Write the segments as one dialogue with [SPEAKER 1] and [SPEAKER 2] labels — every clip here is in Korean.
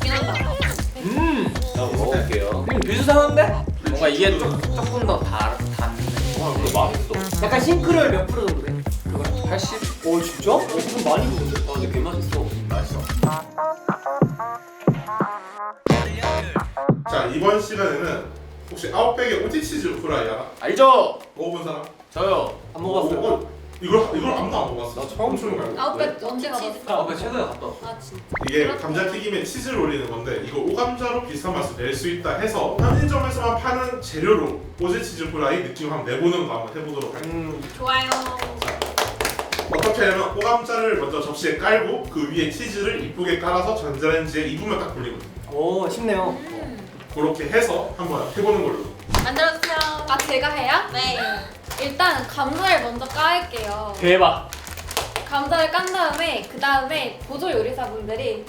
[SPEAKER 1] 맛있긴 한다.
[SPEAKER 2] 자, 먹어볼게요.
[SPEAKER 3] 비슷한데?
[SPEAKER 2] 뭔가 이게 조금 더 닿네. 이거 맛있어.
[SPEAKER 3] 약간 싱크로율 몇 프로 정도 돼? 그거
[SPEAKER 2] 80?
[SPEAKER 3] 오 진짜? 그럼 많이 먹는데?
[SPEAKER 2] 근데 개 맛있어. 맛있어.
[SPEAKER 4] 자, 이번 시간에는 혹시 아웃백의 오티치즈 프라이 알아?
[SPEAKER 2] 알죠?
[SPEAKER 4] 먹어본 사람?
[SPEAKER 2] 저요.
[SPEAKER 3] 안 먹었어요.
[SPEAKER 4] 이걸 아무도 안 먹었어.
[SPEAKER 2] 나 처음
[SPEAKER 4] 처음 말고.
[SPEAKER 1] 아웃백 언제 가봤어?
[SPEAKER 2] 아, 최근에 갔다 왔어.
[SPEAKER 1] 아 진짜.
[SPEAKER 4] 이게 감자튀김에 치즈를 올리는 건데 이거 오감자로 비슷한 맛을 낼 수 있다 해서 편의점에서만 파는 재료로 오지치즈 프라이 느낌 한번 내보는 거 한번 해보도록 할게요.
[SPEAKER 1] 좋아요.
[SPEAKER 4] 어떻게 하냐면 오감자를 먼저 접시에 깔고 그 위에 치즈를 이쁘게 깔아서 전자레인지에 2분만 딱 돌리거든요.
[SPEAKER 3] 오 쉽네요.
[SPEAKER 4] 그렇게 해서 한번 해보는 걸로.
[SPEAKER 1] 만들어주세요.
[SPEAKER 5] 아 제가 해요?
[SPEAKER 1] 네.
[SPEAKER 5] 일단 감자를 먼저 깔게요.
[SPEAKER 2] 대박.
[SPEAKER 5] 감자를 깐 다음에 그 다음에 보조 요리사분들이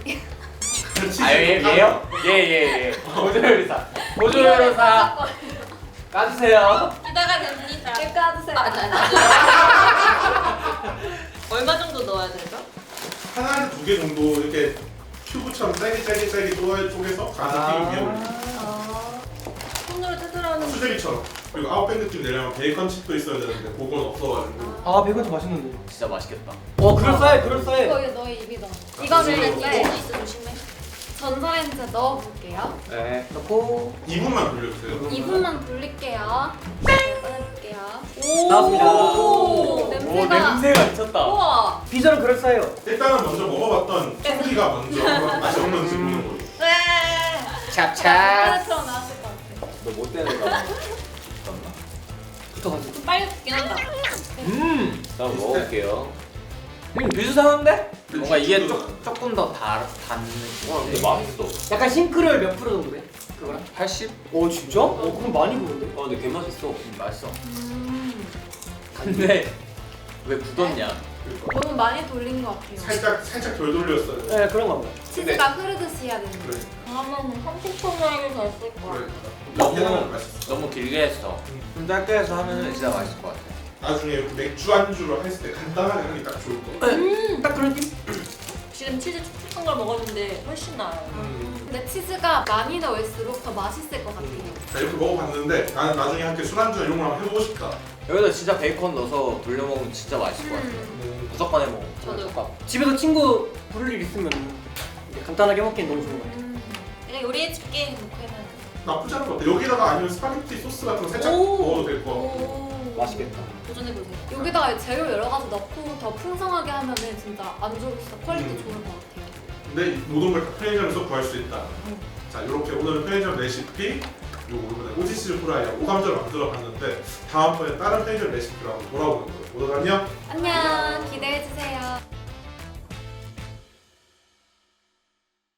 [SPEAKER 2] 얘요? 예. 보조요리사. 보조요리사 까주세요.
[SPEAKER 1] 기대가 됩니다.
[SPEAKER 5] 이렇게 까주세요.
[SPEAKER 1] 얼마 정도 넣어야 되죠?
[SPEAKER 4] 하나에 2개 정도 이렇게 큐브처럼 짧게 쪼개서 감자튀김 위에 올리고
[SPEAKER 1] 손으로 뜯으라는.
[SPEAKER 4] 수제비처럼. 그리고 아웃백 느낌 내려면 베이컨 칩도 있어야 되는데 그건 없어가지고.
[SPEAKER 3] 아 베이컨도 맛있는데.
[SPEAKER 2] 진짜 맛있겠다.
[SPEAKER 3] 그럴싸해.
[SPEAKER 5] 이거 너희 입이 넣어. 이거를
[SPEAKER 1] 이거
[SPEAKER 5] 이제
[SPEAKER 1] 있어 조심해.
[SPEAKER 5] 전자레인지에 넣어볼게요.
[SPEAKER 2] 네.
[SPEAKER 3] 넣고
[SPEAKER 4] 2분만 돌려주세요.
[SPEAKER 5] 2분만 돌릴게요. 네, 꺼내볼게요.
[SPEAKER 3] 나왔습니다.
[SPEAKER 5] 오, 냄새가.
[SPEAKER 2] 냄새가 미쳤다.
[SPEAKER 1] 우와.
[SPEAKER 3] 비주얼은 그럴싸해요.
[SPEAKER 4] 일단은 먼저 먹어봤던 청기가 먼저 한번 맛이 어떤지 보는 걸로.
[SPEAKER 1] 네.
[SPEAKER 2] 찹찹.
[SPEAKER 5] 까나처럼 나왔을 것 같아.
[SPEAKER 2] 너못 되는 거 같나?
[SPEAKER 3] 붙어가지고.
[SPEAKER 1] 좀 빨리 굽긴 한다.
[SPEAKER 2] 자, 먹어볼게요.
[SPEAKER 3] 비슷한데?
[SPEAKER 2] 뭔가 이게 조금 더 닿네. 근데 맛있어.
[SPEAKER 3] 약간 싱크로율 몇 프로 정도 돼? 그거랑?
[SPEAKER 2] 80?
[SPEAKER 3] 오 진짜? 그럼 많이 먹는데?
[SPEAKER 2] 근데 개 맛있어. 맛있어. 근데 왜 굳었냐?
[SPEAKER 5] 너무 많이 돌린 것 같아요.
[SPEAKER 4] 살짝 덜 돌렸어요.
[SPEAKER 3] 네 그런가 봐요.
[SPEAKER 5] 치즈가 흐르듯이 해야 되는
[SPEAKER 4] 그래.
[SPEAKER 5] 거예요.
[SPEAKER 1] 그러면 30분 정도 됐을 거야.
[SPEAKER 4] 그래.
[SPEAKER 2] 너무
[SPEAKER 4] 맛있어.
[SPEAKER 2] 너무 길게 했어. 좀 짧게 해서 하면 진짜 맛있을 것 같아.
[SPEAKER 4] 나중에 이렇게 맥주 안주로 했을 때 간단하게 하기 딱 좋을 거.
[SPEAKER 3] 딱 그런 느낌?
[SPEAKER 1] 지금 치즈 촉촉한 걸 먹었는데 훨씬 나아요.
[SPEAKER 5] 근데 치즈가 많이 넣을수록 더 맛있을 것 같아요.
[SPEAKER 4] 자, 이렇게 먹어봤는데 나는 나중에 함께 술안주 이런 걸 한번 해보고 싶다.
[SPEAKER 2] 여기다 진짜 베이컨 넣어서 돌려 먹으면 진짜 맛있을 것 같아. 무조건 해 먹어.
[SPEAKER 1] 저도.
[SPEAKER 3] 집에서 친구 부를 일 있으면 이제 간단하게 먹기엔 너무 좋은 것 같아요.
[SPEAKER 1] 내가 요리해줄게. 놓고 해놔.
[SPEAKER 4] 나쁘지 않은 것 같아. 여기다가 아니면 스파게티 소스 같은 거 살짝
[SPEAKER 1] 오.
[SPEAKER 4] 넣어도 될 것 같고.
[SPEAKER 1] 오.
[SPEAKER 3] 맛있겠다.
[SPEAKER 1] 도전해보세요.
[SPEAKER 5] 여기다가 재료 여러 가지 넣고 더 풍성하게 하면은 진짜 안주로 진짜 퀄리티 좋을 것 같아요.
[SPEAKER 4] 근데 이 모든 걸 다 편의점에서 구할 수 있다. 자, 이렇게 오늘은 편의점 레시피 그리고 이번에 오지치즈 프라이하고 오감자를 만들어 봤는데 다음번에 다른 편의점 레시피로 한번 돌아오는 거예요. 모두 안녕.
[SPEAKER 5] 안녕. 기대해 주세요.